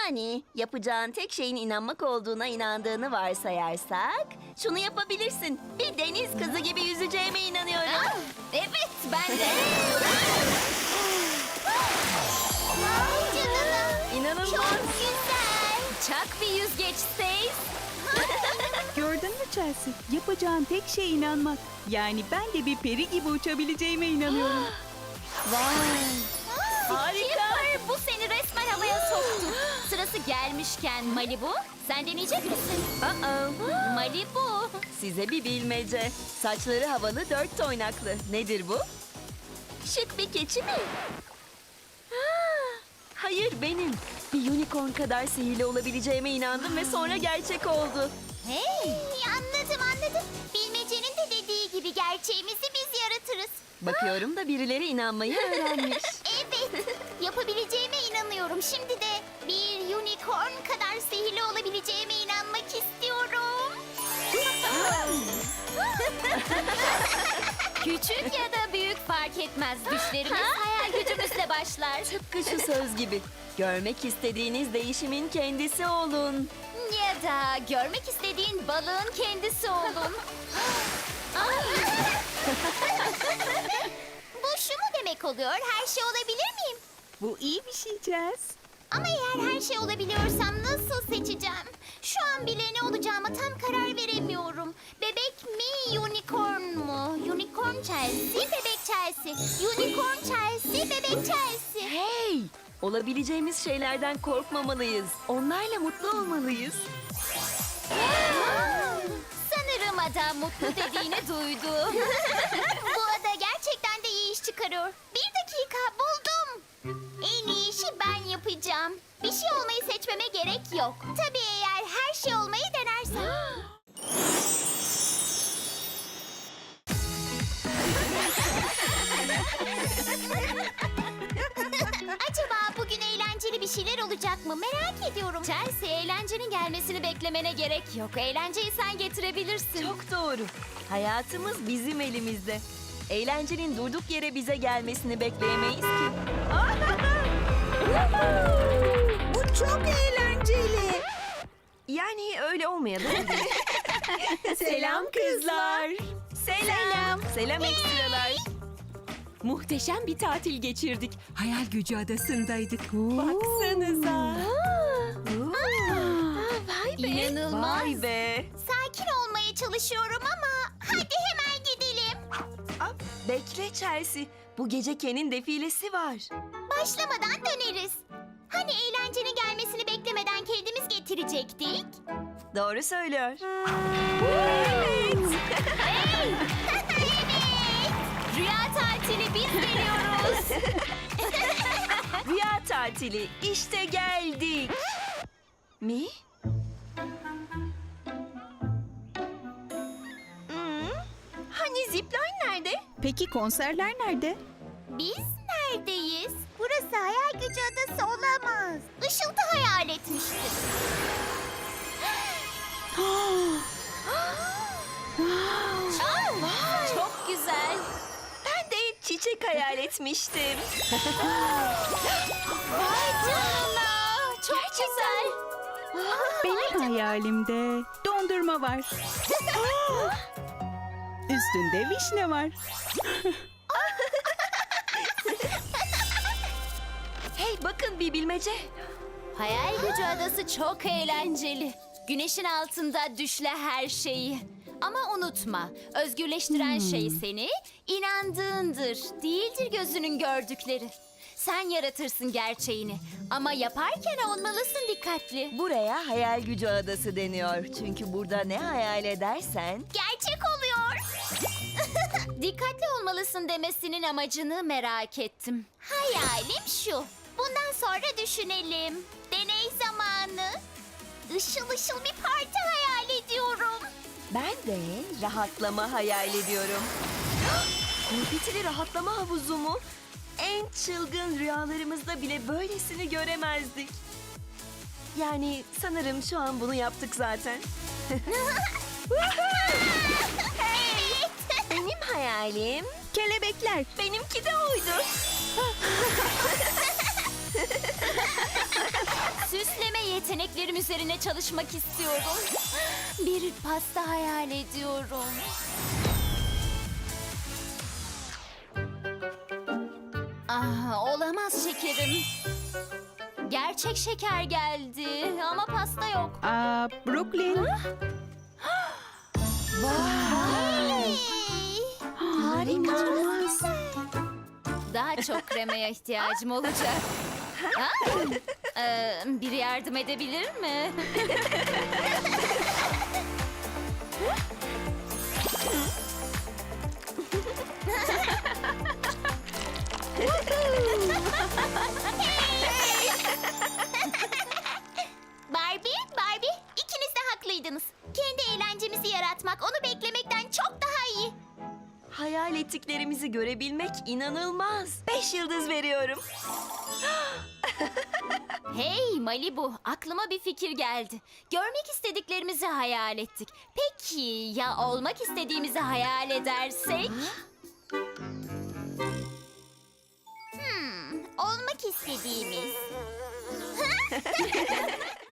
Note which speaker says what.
Speaker 1: Yani yapacağın tek şeyin inanmak olduğuna inandığını varsayarsak şunu yapabilirsin. Bir deniz kızı gibi yüzeceğime inanıyorum.
Speaker 2: Evet, ben de.
Speaker 3: Vay canına.
Speaker 1: İnanılmaz.
Speaker 3: Çok güzel.
Speaker 2: Çak bir yüzgeç Stace.
Speaker 4: Gördün mü Chelsea? Yapacağın tek şey inanmak. Yani ben de bir peri gibi uçabileceğime inanıyorum.
Speaker 1: Harika.
Speaker 2: Skipper, bu seni resmen havaya soktu. Sırası gelmişken Malibu, sen deneyecek misin? Malibu.
Speaker 1: Size bir bilmece. Saçları havalı, dört toynaklı. Nedir bu? Şık bir keçi mi? Hayır, benim. Bir unicorn kadar sihirli olabileceğime inandım ve sonra gerçek oldu.
Speaker 3: Hey, anladım. Bilmecenin de dediği gibi gerçeğimizi biz yaratırız.
Speaker 1: Bakıyorum da birileri inanmayı öğrenmiş.
Speaker 3: Evet, yapabileceğime inanıyorum. Şimdi de bir unicorn kadar sihirli olabileceğime inanmak istiyorum.
Speaker 2: Küçük ya da büyük fark etmez. Düşlerimiz hayal gücümüzle başlar.
Speaker 1: Tıpkı şu söz gibi. Görmek istediğiniz değişimin kendisi olun.
Speaker 2: Ya da görmek istediğin balığın kendisi olun.
Speaker 3: Bu şu mu demek oluyor? Her şey olabilir miyim?
Speaker 4: Bu iyi bir şey Chelsea.
Speaker 3: Ama eğer her şey olabiliyorsam nasıl seçeceğim? Şu an bile ne olacağıma tam karar veremiyorum. Bebek mi, unicorn mu? Unicorn Chelsea, bebek Chelsea. Unicorn Chelsea, bebek Chelsea.
Speaker 1: Hey! Olabileceğimiz şeylerden korkmamalıyız. Onlarla mutlu olmalıyız.
Speaker 2: Sanırım adam mutlu dediğini duydu.
Speaker 3: Bu ada gerçekten de iyi iş çıkarıyor. Bir dakika, buldum. En iyi işi ben yapacağım. Bir şey olmayı seçmeme gerek yok. Tabii eğer her şey olmayı denersem. Acaba bugün eğlenceli bir şeyler olacak mı? Merak ediyorum.
Speaker 2: Chelsea, eğlencenin gelmesini beklemene gerek yok. Eğlenceyi sen getirebilirsin.
Speaker 1: Çok doğru. Hayatımız bizim elimizde. Eğlencenin durduk yere bize gelmesini bekleyemeyiz ki.
Speaker 4: Bu çok eğlenceli.
Speaker 1: Yani öyle olmayabilir.
Speaker 4: Selam kızlar.
Speaker 1: Selam. Selam ekstralar.
Speaker 5: Muhteşem bir tatil geçirdik. Hayal Gücü Adası'ndaydık. Baksanıza.
Speaker 2: İnanılmaz.
Speaker 1: Vay be.
Speaker 3: Sakin olmaya çalışıyorum ama hadi hemen gidelim.
Speaker 1: Aa, bekle Chelsea. Bu gece Ken'in defilesi var.
Speaker 3: Başlamadan döneriz. Hani eğlencenin gelmesini beklemeden kendimiz getirecektik?
Speaker 1: Doğru söylüyor.
Speaker 2: Rüya tatili biz geliyoruz.
Speaker 1: Rüya tatili. İşte geldik. Mi? Hani zipline nerede?
Speaker 4: Peki konserler nerede?
Speaker 3: Biz neredeyiz? Burası hayal gücü adası olamaz. Işıltı hayal etmiştim.
Speaker 2: Çok güzel.
Speaker 1: Ben de çiçek hayal etmiştim.
Speaker 2: Vay canına. Çok güzel.
Speaker 4: Benim hayalimde dondurma var. Üstünde vişne var.
Speaker 1: Hey bakın bir bilmece.
Speaker 2: Hayal gücü adası çok eğlenceli. Güneşin altında düşle her şeyi. Ama unutma, özgürleştiren şey seni inandığındır, değildir gözünün gördükleri. Sen yaratırsın gerçeğini ama yaparken olmalısın dikkatli.
Speaker 1: Buraya hayal gücü adası deniyor. Çünkü burada ne hayal edersen...
Speaker 3: Gerçek oluyor.
Speaker 2: Dikkatli olmalısın demesinin amacını merak ettim.
Speaker 3: Hayalim şu. Bundan sonra düşünelim. Deney zamanı. Işıl ışıl bir parti hayal ediyorum.
Speaker 1: Ben de rahatlama hayal ediyorum. Konfetili rahatlama havuzu mu? En çılgın rüyalarımızda bile böylesini göremezdik. Yani sanırım şu an bunu yaptık zaten.
Speaker 3: Evet.
Speaker 1: Benim hayalim
Speaker 4: Kelebekler.
Speaker 1: benimki de oydu.
Speaker 2: Süsleme Yeteneklerim üzerine çalışmak istiyorum. Bir pasta hayal ediyorum. Olamaz şekerim. Gerçek şeker geldi ama pasta yok.
Speaker 4: Aa, Brooklyn.
Speaker 3: Hey!
Speaker 4: Harika.
Speaker 2: Daha çok kremaya ihtiyacım olacak. Ha? Biri yardım edebilir mi?
Speaker 3: Barbie, ikiniz de haklıydınız. Kendi eğlencemizi yaratmak, onu beklemekten çok daha iyi.
Speaker 1: Hayal ettiklerimizi görebilmek inanılmaz. 5 yıldız veriyorum.
Speaker 2: Hey Malibu, aklıma bir fikir geldi. Görmek istediklerimizi hayal ettik. Peki ya olmak istediğimizi hayal edersek?
Speaker 3: Olmak istediğimiz.